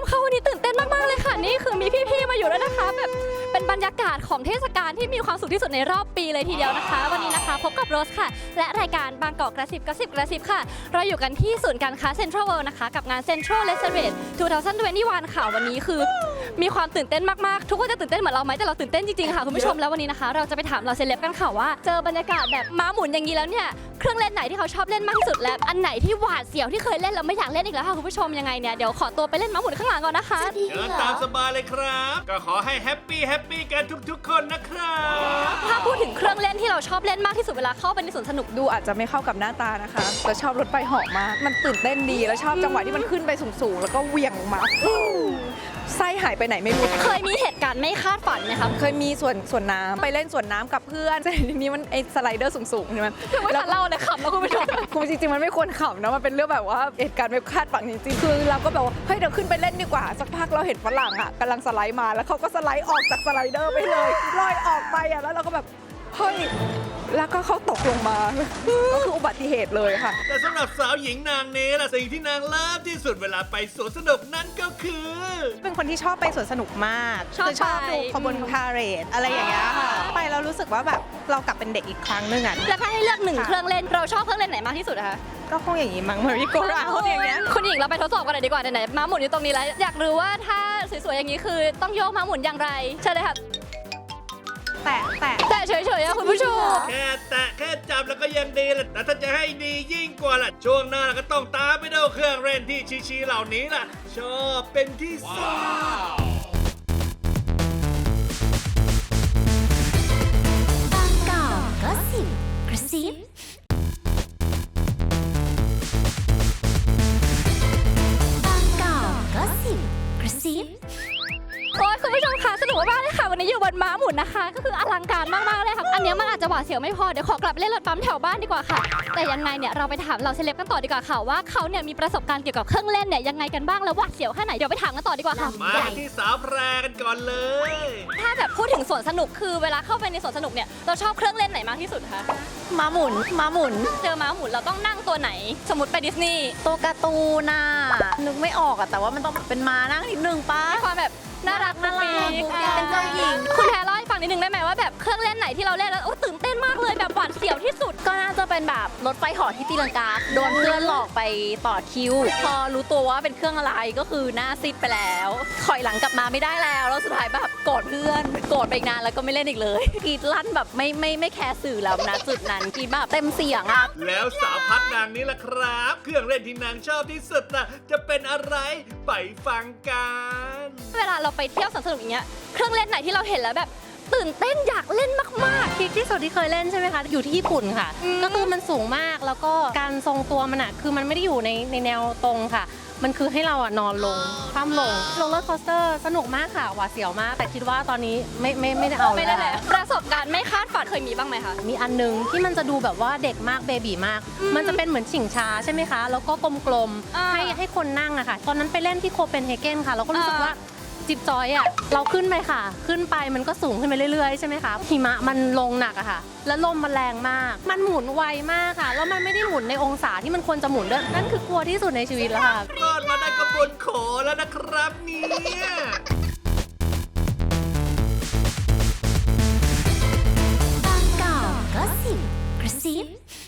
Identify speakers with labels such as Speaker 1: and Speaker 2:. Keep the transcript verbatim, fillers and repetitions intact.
Speaker 1: มคะวันนี้ตื่นเต้นมากๆเลยค่ะนี่คือมีพี่ๆมาอยู่ด้วยนะคะแบบเป็นบรรยากาศของเทศกาลที่มีความสุขที่สุดในรอบปีเลยทีเดียวนะคะวันนี้นะคะพบกับโรสค่ะและรายการบางกอกกระซิบกระซิบกระซิบค่ะเราอยู่กันที่ศูนย์การค้าเซ็นทรัลเวิลด์นะคะกับงานเซ็นทรัลเลสเซอร์เรทสองพันยี่สิบเอ็ดค่ะวันนี้คือมีความตื่นเต้นมากๆทุกคนจะตื่นเต้นเหมือนเราไหมแต่เราตื่นเต้นจริงๆค่ะคุณผู้ชมแล้ววันนี้นะคะเราจะไปถามเราเซเลบกันค่ะว่าเจอบรรยากาศแบบม้าหมุนอย่างนี้แล้วเนี่ยเครื่องเล่นไหนที่เขาชอบเล่นมากที่สุดและอันไหนที่หวาดเสียวที่เคยเล่นแล้วไม่อยากเล่นอีกแล้วค่ะคุณผู้ชมยังไงเนี่ยเดี๋ยวขอตัวไปเล่นม้าหมุนข้างหลังก่อนนะคะ
Speaker 2: เชิญตามสบายเลยครับก็ขอให้แฮปปี้แฮปปี้กันทุกๆคนนะครับ
Speaker 1: ถ้าพูดถึงเครื่องเล่นที่เราชอบเล่นมากที่สุดเวลาเข้าไปในสวนสนุก
Speaker 3: ดูอาจจะไม่เข้ากับหน้าตานะคะแต่ชอบรถไฟเหาะมากมันตื่นเต้นดีแล้วชอบจังหวะที่มันขึ้นไปสูงๆแล้วก็เหวี่ยงลงมาไส้หายไปไหนไม่รู้
Speaker 1: เคยมีเหตุการณ์ไม่คาดฝันไหมคะ
Speaker 3: เคยมีส่วนส่วนน้ำไปเล่นส่วนน้ำกับเพื่อนแต่ทีนี้มันไอสไลเดอร์สูงๆใช่ไหม
Speaker 1: คือไม่ทันเล่าเลยขำแล้วคุณผู้ชม
Speaker 3: คุณจริงๆมันไม่ควรขำนะมันเป็นเรื่องแบบว่าเหตุการณ์ไม่คาดฝันจริงๆคือเราก็แบบว่าเฮ้ยเดี๋ยวขึ้นไปเล่นดีกว่าสักพักเราเห็นฝรั่งอ่ะกำลังสไลด์มาแล้วเขาก็สไลด์ออกจากสไลเดอร์ไปเลยลอยออกไปอ่ะแล้วเราก็แบบเฮ้ยแล้วก็เขาตกลงมาก็คืออุบัติเหตุเลยค่ะ
Speaker 2: แต่สำหรับสาวหญิงนางนี้ล่ะสิ่งที่นางเลิฟที่สุดเวลาไปสวนสนุกนั่นก็คือ
Speaker 4: เป็นคนที่ชอบไปสวนสนุกมาก
Speaker 1: ชอบ
Speaker 4: คือชอบ
Speaker 1: ไป
Speaker 4: ดูขบวนพาเหรดอะไรอย่างเงี้ยค่ะไปแล้วรู้สึกว่าแบบเรากลับเป็นเด็กอีกครั้งหนึงอ่ะ
Speaker 1: แล้วถ้าให้เลือกหนึ่ง
Speaker 4: ค่ะ
Speaker 1: เครื่องเล่นเราชอบเครื่องเล่นไหนมากที่สุดคะ
Speaker 4: ก็คงอย่างนี้มั้งมาริโกราโอย่างเงี้ย
Speaker 1: คุณหญิงเราไปทดสอบกันหน่อยดีกว่าไหนๆม้าหมุนอยู่ตรงนี้แล้วอยากรู้ว่าถ้าสวยๆอย่างนี้คือต้องโยกม้าหมุนอย่างไรเชิญเลยค่ะ
Speaker 4: แตะแตะ
Speaker 1: แต่เฉยๆอะคุณผู้ชม
Speaker 2: แค่แตะแค่จับแล้วก็ยังดีแหละแต่ถ้าจะให้ดียิ่งกว่าล่ะช่วงหน้าก็ต้องตามไปดูเครื่องเล่นที่ชีๆเหล่านี้ล่ะ ชอบเป็นที่สุด
Speaker 5: บางกอกก็สิบกระซิบางกอกก็สิบกระซิบ
Speaker 1: โอ้ยคุณผู้ชมคะสนุกมากเลยค่ะวันนี้อยู่บนม้าหมุนนะคะ ก็คืออลังการมากๆเลยค่ะอันนี้มันอาจจะหวาดเสียวไม่พอเดี๋ยวขอกลับเล่นรถปั๊มแถวบ้านดีกว่าค่ะแต่ยังไงเนี่ยเราไปถามเราเซเลบกันต่อดีกว่าค่ะว่าเขาเนี่ยมีประสบการณ์เกี่ยวกับเครื่องเล่นเนี่ยยังไงกันบ้างแล้วหวาดเสียวแค่ไหนเดี๋ยวไปถามกันต่อดีกว่าค่ะ
Speaker 2: มากันที่สาวแพรกันก่อนเลย
Speaker 1: ถ้าแบบพูดถึงสวนสนุกคือเวลาเข้าไปในสวนสนุกเนี่ยเราชอบเครื่องเล่นไหนมากที่สุดคะ
Speaker 4: มาหมุนมาหมุน
Speaker 1: เจอม้าหมุนเราต้องนั่งตัวไหน สมมติไปดิสนีย์
Speaker 4: ตัวการ์ตูนน่ะนึกไม่ออกอะแต่ว่ามันต้องเป็นม้านั่งนิดนึงป้า
Speaker 1: มีความแบบน่ารัก
Speaker 4: น่ารัก
Speaker 1: ปิ๊
Speaker 4: เป็นเจ้าหญิง
Speaker 1: คุณแพรเล่าให้ฟังนิดนึงได้ไหมว่าแบบเครื่องเล่นไหนที่เราเล่นแล้วโอ้ตื่นเต้นมากเลยแบบหวาดเสียวที่สุด
Speaker 4: ก็น่าจะเป็นแบบรถไฟเหาะที่ตีลังกาโดนเพื่อนหลอกไปต่อคิว พอรู้ตัวว่าเป็นเครื่องอะไรก็คือหน้าซีดไปแล้วถอยหลังกลับมาไม่ได้แล้วแล้วสุดท้ายแบบโกรธเพื่อนโกรธไปอีกนานแล้วก็ไม่เล่นอีกเลยกรีดลั่นแบบไม่ไม่ไม่แคร์สื่อแล้วนะจุดนั้นกรีดแบบเต็มเสียงอะ
Speaker 2: แล้วสาวพัดนางนี้ล่ะครับ เครื่องเล่นที่นางชอบที่สุดน่ะจะเป็นอะไรไปฟังกัน
Speaker 1: เวลาเราไปเที่ยวสวนสนุกอย่างเงี้ยเครื่องเล่นไหนที่เราเห็นแล้วแบบตื่นเต้นอยากเล่นมาก
Speaker 6: พีคที่สุดที่เคยเล่นใช่ไหมคะ อยู่ที่ญี่ปุ่นค่ะ
Speaker 1: อืม
Speaker 6: ก็คือมันสูงมากแล้วก็การทรงตัวมันอะคือมันไม่ได้อยู่ในในแนวตรงค่ะ มันคือให้เราอะนอนลงคว่ำลงโรลเลอร์คอสเตอร์สนุกมากค่ะหวาดเสียวมาก แต่คิดว่าตอนนี้ไม่ไม่ไม่ได้เอา
Speaker 1: ๆไม่ได้แล้วประสบการณ์ไม่คาดฝันเคยมีบ้างไหมคะ
Speaker 6: มีอันนึงที่มันจะดูแบบว่าเด็กมากเบบีมาก
Speaker 1: อืม
Speaker 6: มันจะเป็นเหมือนชิงช้าใช่ไหมคะ แล้วก็กลม
Speaker 1: อ่า
Speaker 6: ๆให้ให้คนนั่งอะค่ะ ตอนนั้นไปเล่นที่โคเปนเฮเกนค่ะเราก็รู้สึก
Speaker 1: อ่า
Speaker 6: ว่าจิบจอยอะเราขึ้นไปค่ะ ขึ้นไปมันก็สูงขึ้นไปเรื่อยๆใช่ไหมคะหิมะมันลงหนักอะค่ะ แล้วลมมันแรงมาก มันหมุนไวมากค่ะ แล้วมันไม่ได้หมุนในองศาที่มันควรจะหมุนด้วยนั่นคือกลัวที่สุดในชีวิตแล้วค่ะ
Speaker 2: รอดมาได้กระบวนโขแล้วนะครับเนี่ย
Speaker 5: บางกอกก็สิบกระซิบ